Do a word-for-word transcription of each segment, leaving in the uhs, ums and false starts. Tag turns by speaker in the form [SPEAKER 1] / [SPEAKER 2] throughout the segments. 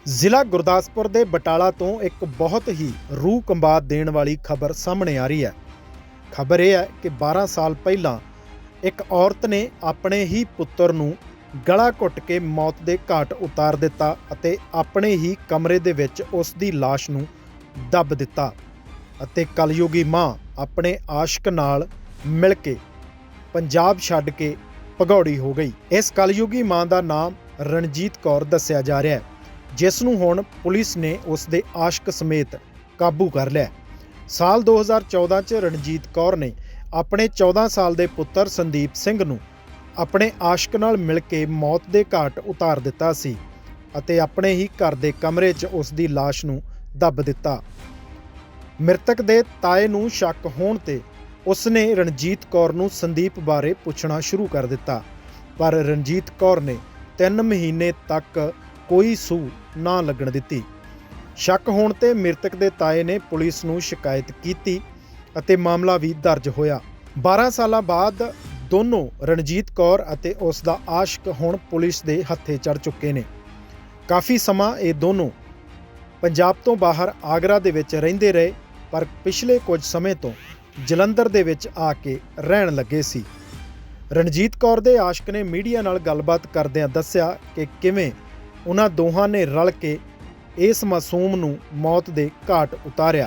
[SPEAKER 1] ਜ਼ਿਲ੍ਹਾ ਗੁਰਦਾਸਪੁਰ ਦੇ ਬਟਾਲਾ ਤੋਂ ਇੱਕ ਬਹੁਤ ਹੀ ਰੂਹ ਕੰਬਾ ਦੇਣ ਵਾਲੀ ਖਬਰ ਸਾਹਮਣੇ ਆ ਰਹੀ ਹੈ। ਖਬਰ ਇਹ ਹੈ ਕਿ ਬਾਰਾਂ ਸਾਲ ਪਹਿਲਾਂ ਇੱਕ ਔਰਤ ਨੇ ਆਪਣੇ ਹੀ ਪੁੱਤਰ ਨੂੰ ਗਲਾ ਘੁੱਟ ਕੇ ਮੌਤ ਦੇ ਘਾਟ ਉਤਾਰ ਦਿੱਤਾ ਅਤੇ ਆਪਣੇ ਹੀ ਕਮਰੇ ਦੇ ਵਿੱਚ ਉਸ ਦੀ ਲਾਸ਼ ਨੂੰ ਦੱਬ ਦਿੱਤਾ ਅਤੇ ਕਲਯੁਗੀ ਮਾਂ ਆਪਣੇ ਆਸ਼ਕ ਨਾਲ ਮਿਲ ਕੇ ਪੰਜਾਬ ਛੱਡ ਕੇ ਭਗੌੜੀ ਹੋ ਗਈ। ਇਸ ਕਲਯੁਗੀ ਮਾਂ ਦਾ ਨਾਮ ਰਣਜੀਤ ਕੌਰ ਦੱਸਿਆ ਜਾ ਰਿਹਾ ਹੈ, ਜਿਸ ਨੂੰ ਹੁਣ ਪੁਲਿਸ ਨੇ ਉਸ ਦੇ ਆਸ਼ਕ ਸਮੇਤ ਕਾਬੂ ਕਰ ਲਿਆ। ਸਾਲ ਦੋ ਹਜ਼ਾਰ ਚੌਦਾਂ 'ਚ ਰਣਜੀਤ ਕੌਰ ਨੇ ਆਪਣੇ ਚੌਦਾਂ ਸਾਲ ਦੇ ਪੁੱਤਰ ਸੰਦੀਪ ਸਿੰਘ ਨੂੰ ਆਪਣੇ ਆਸ਼ਕ ਨਾਲ ਮਿਲ ਕੇ ਮੌਤ ਦੇ ਘਾਟ ਉਤਾਰ ਦਿੱਤਾ ਸੀ ਅਤੇ ਆਪਣੇ ਹੀ ਘਰ ਦੇ ਕਮਰੇ 'ਚ ਉਸ ਦੀ ਲਾਸ਼ ਨੂੰ ਦੱਬ ਦਿੱਤਾ। ਮ੍ਰਿਤਕ ਦੇ ਤਾਏ ਨੂੰ ਸ਼ੱਕ ਹੋਣ ਤੇ ਉਸ ਨੇ ਰਣਜੀਤ ਕੌਰ ਨੂੰ ਸੰਦੀਪ ਬਾਰੇ ਪੁੱਛਣਾ ਸ਼ੁਰੂ ਕਰ ਦਿੱਤਾ, ਪਰ ਰਣਜੀਤ ਕੌਰ ਨੇ ਤਿੰਨ ਮਹੀਨੇ ਤੱਕ ਕੋਈ ਸੂਹ ਨਾ ਲੱਗਣ ਦਿੱਤੀ। ਸ਼ੱਕ ਹੋਣ ਤੇ ਮ੍ਰਿਤਕ ਦੇ ਤਾਏ ਨੇ ਪੁਲਿਸ ਨੂੰ ਸ਼ਿਕਾਇਤ ਕੀਤੀ ਅਤੇ ਮਾਮਲਾ ਵੀ ਦਰਜ ਹੋਇਆ। ਬਾਰਾਂ ਸਾਲਾਂ ਬਾਅਦ ਦੋਨੋਂ ਰਣਜੀਤ ਕੌਰ ਅਤੇ ਉਸ ਦਾ ਆਸ਼ਕ ਹੁਣ ਪੁਲਿਸ ਦੇ ਹੱਥੇ ਚੜ੍ਹ ਚੁੱਕੇ ਨੇ। ਕਾਫੀ ਸਮਾਂ ਇਹ ਦੋਨੋਂ ਪੰਜਾਬ ਤੋਂ ਬਾਹਰ ਆਗਰਾ ਦੇ ਵਿੱਚ ਰਹਿੰਦੇ ਰਹੇ, ਪਰ ਪਿਛਲੇ ਕੁਝ ਸਮੇਂ ਤੋਂ ਜਲੰਧਰ ਦੇ ਵਿੱਚ ਆ ਕੇ ਰਹਿਣ ਲੱਗੇ ਸੀ। ਰਣਜੀਤ ਕੌਰ ਦੇ ਆਸ਼ਕ ਨੇ ਮੀਡੀਆ ਨਾਲ ਗੱਲਬਾਤ ਕਰਦਿਆਂ ਦੱਸਿਆ ਕਿ ਕਿਵੇਂ ਉਹਨਾਂ ਦੋਹਾਂ ਨੇ ਰਲ ਕੇ ਇਸ ਮਾਸੂਮ ਨੂੰ ਮੌਤ ਦੇ ਘਾਟ ਉਤਾਰਿਆ।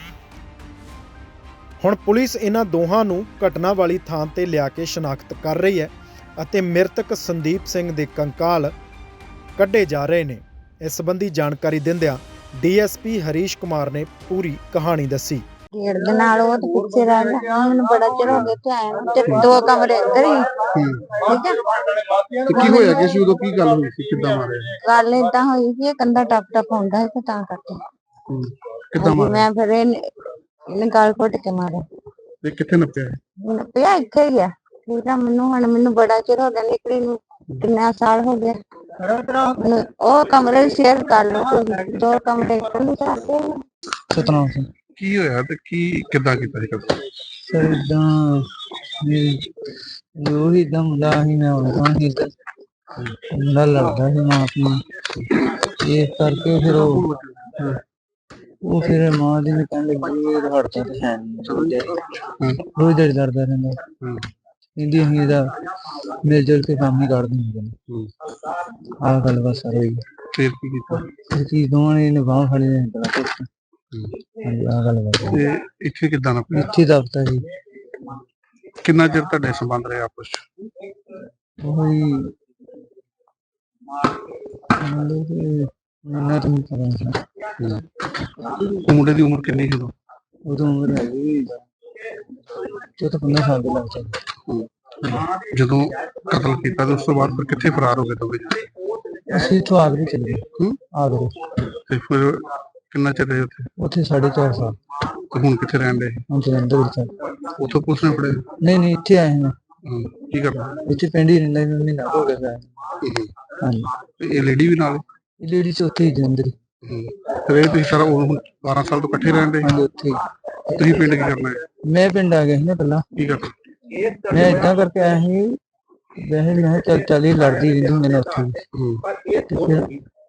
[SPEAKER 1] ਹੁਣ ਪੁਲਿਸ ਇਹਨਾਂ ਦੋਹਾਂ ਨੂੰ ਘਟਨਾ ਵਾਲੀ ਥਾਂ ਤੇ ਲਿਆ ਕੇ ਸ਼ਨਾਖਤ ਕਰ ਰਹੀ ਹੈ ਅਤੇ ਮ੍ਰਿਤਕ ਸੰਦੀਪ ਸਿੰਘ ਦੇ ਕੰਕਾਲ ਕੱਢੇ ਜਾ ਰਹੇ ਨੇ। ਇਸ ਸੰਬੰਧੀ ਜਾਣਕਾਰੀ ਦਿੰਦਿਆਂ D S P Harish Kumar ਨੇ ਪੂਰੀ ਕਹਾਣੀ ਦੱਸੀ।
[SPEAKER 2] ਗੇੜ ਦੇ ਨਾਲ ਉਹ ਤੇ ਪਿੱਛੇ ਰਹਿਣਾ, ਮੈਨੂੰ ਬੜਾ ਚਿਰ ਹੋ ਗਿਆ ਤੇ ਆਇਆ ਨੂੰ ਤੇ ਦੋ ਕਮਰੇ ਅੰਦਰ ਹੀ। ਠੀਕ ਹੈ,
[SPEAKER 3] ਤੇ ਕੀ ਹੋਇਆ ਕਿ ਸੀ ਉਦੋਂ, ਕੀ ਗੱਲ ਹੋਈ ਸੀ, ਕਿੱਦਾਂ ਮਾਰਿਆ?
[SPEAKER 2] ਗੱਲ ਏਦਾਂ ਹੋਈ ਸੀ, ਇਹ ਕੰਧਾ ਟੱਪ ਟੱਪ ਹੁੰਦਾ ਸੀ ਤੇ ਤਾਂ ਕਰਕੇ
[SPEAKER 3] ਕਿੱਦਾਂ ਮਾਰਿਆ?
[SPEAKER 2] ਮੈਂ ਫਿਰ ਇਹਨੇ ਇਹਨੇ ਗਾਲ ਘੁੱਟ ਕੇ ਮਾਰਿਆ।
[SPEAKER 3] ਤੇ ਕਿੱਥੇ ਨੱਪਿਆ?
[SPEAKER 2] ਮੈਨੂੰ ਪਿਆ ਇੱਥੇ ਹੀ ਆ। ਠੀਕ ਆ, ਮੈਨੂੰ ਹੁਣ ਮੈਨੂੰ ਬੜਾ ਚਿਰ ਹੋ ਗਿਆ ਨਿਕਲੀ ਨੂੰ, ਕਿੰਨਾ ਸਾਲ ਹੋ ਗਿਆ। ਮੈਨੂੰ ਉਹ ਕਮਰੇ ਸ਼ੇਅਰ ਕਰ ਲਓ, ਤੁਸੀਂ ਦੋ ਕਮਰੇ ਖੁੱਲੇ ਚਾਹਤੇ ਹੋ।
[SPEAKER 4] ਸਤਨਾਮ ਸਿੰਘ।
[SPEAKER 3] ਕੀ ਹੋਇਆ ਤੇ ਕੀ ਕਿੱਦਾਂ ਕੀਤਾ ਸੀ ਕਦੋਂ?
[SPEAKER 4] ਸਰ ਇਦਾਂ ਮੇਰੀ ਜੋ ਹੀ ਦਮ ਦਾ ਹੀ ਮੈਂ ਉਹਨਾਂ ਹੀ ਮੁੰਡਾ ਲੜਦਾ ਸੀ ਮਾਂ ਆਪਣੀ, ਇਸ ਕਰਕੇ ਫਿਰ ਉਹ ਉਹ ਫਿਰ ਮਾਂ ਦੀ ਨੇ ਕਹਿਣ ਲੱਗੀ ਇਹ ਹੜਤਾ ਤੇ ਹੈ ਨਹੀਂ, ਰੋਜ਼ ਦਿਹਾੜੀ ਲੜਦਾ ਰਹਿੰਦਾ। ਕਹਿੰਦੀ ਅਸੀਂ ਇਹਦਾ ਮਿਲ ਜੁਲ ਕੇ ਕੰਮ ਹੀ ਕੱਢ ਦਿੰਦੇ ਨੇ। ਆਹ ਗੱਲ ਬਸ ਸਰ ਹੋਈ।
[SPEAKER 3] ਫਿਰ ਕੀ ਕੀਤਾ?
[SPEAKER 4] ਇਹ ਚੀਜ਼ ਦੋਵਾਂ ਨੇ ਨਿਭਾਉ ਖੜੀ ਨੇ ਬੜਾ ਕੁਛ। ਆਹ ਗੱਲ ਬਸ।
[SPEAKER 3] ਤੇ ਇੱਥੇ ਕਿੱਦਾਂ ਨੱਪਿਆ?
[SPEAKER 4] ਇੱਥੇ ਦਫਤਰ ਜੀ।
[SPEAKER 3] ਕਿੰਨਾ ਚਿਰ ਤੁਹਾਡੇ ਸੰਬੰਧ ਰਹੇ ਆਪਸ ਚ?
[SPEAKER 4] ਉਹੀ ਮਤਲਬ ਕਿ ਮੈਨੂੰ ਤਾਂ ਨਹੀਂ ਪਤਾ ਸੀ।
[SPEAKER 3] ਉਹ ਮੁੰਡੇ ਦੀ ਉਮਰ ਕਿੰਨੀ ਸੀ ਉਦੋਂ?
[SPEAKER 4] ਉਦੋਂ ਉਮਰ ਹੈਗੀ ਚੌਦਾਂ ਪੰਦਰਾਂ ਸਾਲ ਦੇ ਲੱਗ ਜਾਂਦੇ।
[SPEAKER 3] ਜਦੋਂ ਕਤਲ ਕੀਤਾ ਤੇ ਉਸ ਤੋਂ ਬਾਅਦ ਫਿਰ ਕਿੱਥੇ ਫਰਾਰ ਹੋ ਗਏ ਦੋਵੇਂ ਜਣੇ?
[SPEAKER 4] ਅਸੀਂ ਇੱਥੋਂ ਆਗਰੇ ਚਲੇ ਗਏ।
[SPEAKER 3] ਹੂੰ?
[SPEAKER 4] ਆਗਰੇ।
[SPEAKER 3] ਤੇ ਫਿਰ ਕਿੰਨਾ ਚਿਰ ਰਹੇ ਉੱਥੇ?
[SPEAKER 4] ਉੱਥੇ ਸਾਢੇ ਚਾਰ ਸਾਲ।
[SPEAKER 3] ਤੇ ਹੁਣ ਕਿੱਥੇ ਰਹਿਣ ਦੇ?
[SPEAKER 4] ਹੁਣ ਜਲੰਧਰ ਵਿੱਚ।
[SPEAKER 3] ਉੱਥੋਂ ਪੁਲਿਸ ਨੇ ਫੜੇ?
[SPEAKER 4] ਨਹੀਂ ਨਹੀਂ, ਇੱਥੇ ਆਏ ਹਾਂ।
[SPEAKER 3] ਕੀ ਕਰਨਾ?
[SPEAKER 4] ਇੱਥੇ ਪਿੰਡ ਹੀ ਰਹਿੰਦਾ ਮੈਨੂੰ ਮਹੀਨਾ ਹੋ ਗਿਆ। ਹਾਂਜੀ।
[SPEAKER 3] ਤੇ ਇਹ ਲੇਡੀ ਵੀ ਨਾਲ?
[SPEAKER 4] ਇਹ ਲੇਡੀ ਚ ਉੱਥੇ ਹੀ ਜਲੰਧਰ।
[SPEAKER 3] ਫਿਰ ਇਹ ਤੁਸੀਂ ਸਾਰਾ ਉਹ ਬਾਰਾਂ ਸਾਲ ਤੋਂ ਇਕੱਠੇ ਰਹਿੰਦੇ?
[SPEAKER 4] ਹਾਂਜੀ, ਉੱਥੇ ਹੀ।
[SPEAKER 3] ਤੁਸੀਂ ਪਿੰਡ ਕੀ ਕਰਨਾ ਹੈ?
[SPEAKER 4] ਮੈਂ ਪਿੰਡ ਆ ਗਿਆ ਸੀ ਨਾ ਪਹਿਲਾਂ।
[SPEAKER 3] ਕੀ ਕਰਨਾ?
[SPEAKER 4] ਮੈਂ ਏਦਾਂ ਕਰਕੇ ਆਇਆ ਸੀ, ਵੈਸੇ ਮੈਂ ਕਿਹਾ ਚੱਲ ਚੱਲ ਹੀ ਲੜਦੀ ਰਹਿੰਦੀ ਹੁੰਦੀ ਨੇ ਉੱਥੇ। ਤੇ ਫਿਰ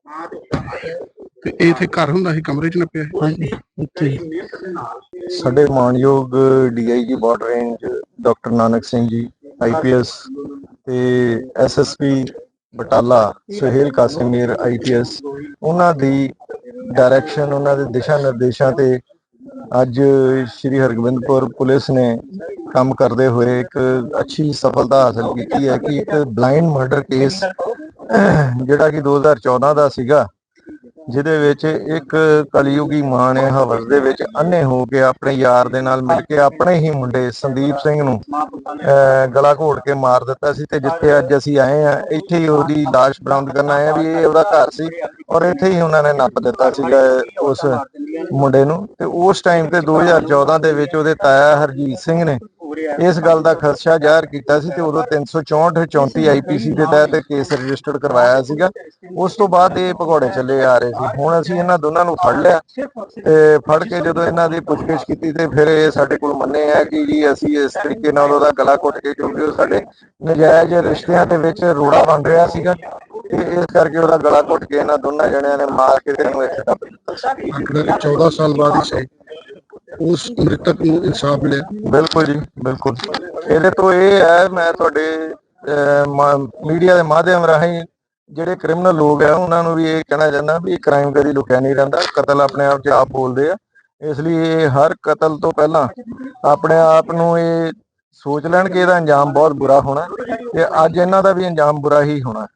[SPEAKER 3] ਤੇ ਇਹ ਇੱਥੇ ਘਰ ਹੁੰਦਾ ਸੀ, ਕਮਰੇ ਚ ਨੱਪਿਆ?
[SPEAKER 4] ਹਾਂਜੀ, ਇੱਥੇ ਹੀ।
[SPEAKER 5] ਸਾਡੇ ਮਾਣਯੋਗ D I G border range doctor Nanak Singh ji I P S ਤੇ S S P Batala Suhail Kasimir I P S, ਉਹਨਾਂ ਦੀ ਡਾਇਰੈਕਸ਼ਨ, ਉਹਨਾਂ ਦੇ ਦਿਸ਼ਾ ਨਿਰਦੇਸ਼ਾਂ ਤੇ ਅੱਜ ਸ਼੍ਰੀ ਹਰਗੋਬਿੰਦਪੁਰ ਪੁਲਿਸ ਨੇ ਕੰਮ ਕਰਦੇ ਹੋਏ ਇੱਕ ਅੱਛੀ ਸਫਲਤਾ ਹਾਸਲ ਕੀਤੀ ਹੈ ਕਿ ਇੱਕ ਬਲਾਈਂਡ ਮਰਡਰ ਕੇਸ ਜਿਹੜਾ ਕਿ ਦੋ ਹਜ਼ਾਰ ਚੌਦਾਂ ਦਾ ਸੀਗਾ, ਜਿਹਦੇ ਵਿੱਚ ਇੱਕ ਕਲਯੁਗੀ ਮਾਂ ਨੇ ਹਵਸ ਦੇ ਵਿੱਚ ਅੰਨੇ ਹੋ ਕੇ ਆਪਣੇ ਯਾਰ ਦੇ ਨਾਲ ਮਿਲ ਕੇ ਆਪਣੇ ਹੀ ਮੁੰਡੇ ਸੰਦੀਪ ਸਿੰਘ ਨੂੰ ਗਲਾ ਘੋਟ ਕੇ ਮਾਰ ਦਿੱਤਾ ਸੀ। ਤੇ ਜਿੱਥੇ ਅੱਜ ਅਸੀਂ ਆਏ ਆ, ਇੱਥੇ ਹੀ ਉਹਦੀ ਲਾਸ਼ ਬਰਾਮਦ ਕਰਨ ਆਏ ਆ ਵੀ ਇਹ ਉਹਦਾ ਘਰ ਸੀ ਔਰ ਇੱਥੇ ਹੀ ਉਹਨਾਂ ਨੇ ਨੱਪ ਦਿੱਤਾ ਸੀਗਾ ਉਸ ਮੁੰਡੇ ਨੂੰ। ਤੇ ਉਸ ਟਾਈਮ ਤੇ ਦੋ ਹਜ਼ਾਰ ਚੌਦਾਂ ਦੇ ਵਿੱਚ ਉਹਦੇ ਤਾਇਆ ਹਰਜੀਤ ਸਿੰਘ ਨੇ ਇਸ ਗੱਲ ਦਾ ਖਦਸ਼ਾ ਜ਼ਾਹਰ ਕੀਤਾ ਸੀ ਤੇ ਉਦੋਂ ਤਿੰਨ ਸੌ ਚੌਂਹਠ ਚੌਂਤੀ ਆਈ ਪੀ ਸੀ ਦੇ ਤਹਿਤ ਕੇਸ ਰਜਿਸਟਰਡ ਕਰਵਾਇਆ ਸੀਗਾ। ਉਸ ਤੋਂ ਬਾਅਦ ਇਹ ਭਗੌੜੇ ਚੱਲੇ ਆ ਰਹੇ ਸੀ। ਹੁਣ ਅਸੀਂ ਇਹਨਾਂ ਦੋਨਾਂ ਨੂੰ ਫੜ ਲਿਆ ਤੇ ਫੜ ਕੇ ਜਦੋਂ ਇਹਨਾਂ ਦੀ ਪੁੱਛਗਿੱਛ ਕੀਤੀ ਤੇ ਫਿਰ ਇਹ ਸਾਡੇ ਕੋਲ ਮੰਨੇ ਆ ਕਿ ਜੀ ਅਸੀਂ ਇਸ ਤਰੀਕੇ ਨਾਲ ਉਹਦਾ ਗਲਾ ਘੁੱਟ ਕੇ, ਕਿਉਂਕਿ ਉਹ ਸਾਡੇ ਨਜਾਇਜ਼ ਰਿਸ਼ਤਿਆਂ ਦੇ ਵਿੱਚ ਰੋੜਾ ਬਣ ਰਿਹਾ ਸੀਗਾ, ਤੇ ਇਸ ਕਰਕੇ ਉਹਦਾ ਗਲਾ ਘੁੱਟ ਕੇ ਇਹਨਾਂ ਦੋਨਾਂ ਜਣਿਆਂ ਨੇ ਮਾਰ ਕੇ ਤੇ ਇਹਨੂੰ ਇੱਥੇ ਦੱਬ ਦਿੱਤਾ।
[SPEAKER 3] ਮਤਲਬ ਚੌਦਾਂ ਸਾਲ ਬਾਅਦ ਹੀ ਸਹੀ ਉਸ ਮ੍ਰਿਤਕ ਨੂੰ ਇਨਸਾਫ ਮਿਲਿਆ।
[SPEAKER 5] ਬਿਲਕੁਲ ਜੀ ਬਿਲਕੁਲ। ਇਹਦੇ ਤੋਂ ਇਹ ਹੈ, ਮੈਂ ਤੁਹਾਡੇ ਮੀਡੀਆ ਦੇ ਮਾਧਿਅਮ ਰਾਹੀਂ ਜਿਹੜੇ ਕ੍ਰਿਮੀਨਲ ਲੋਕ ਆ ਉਹਨਾਂ ਨੂੰ ਵੀ ਇਹ ਕਹਿਣਾ ਚਾਹੁੰਦਾ ਵੀ ਕ੍ਰਾਈਮ ਕਦੀ ਲੁਕਿਆ ਨਹੀਂ ਰਹਿੰਦਾ, ਕਤਲ ਆਪਣੇ ਆਪ 'ਚ ਆਪ ਬੋਲਦੇ ਆ। ਇਸ ਲਈ ਇਹ ਹਰ ਕਤਲ ਤੋਂ ਪਹਿਲਾਂ ਆਪਣੇ ਆਪ ਨੂੰ ਇਹ ਸੋਚ ਲੈਣ ਕਿ ਇਹਦਾ ਅੰਜਾਮ ਬਹੁਤ ਬੁਰਾ ਹੋਣਾ, ਤੇ ਅੱਜ ਇਹਨਾਂ ਦਾ ਵੀ ਅੰਜਾਮ ਬੁਰਾ ਹੀ ਹੋਣਾ।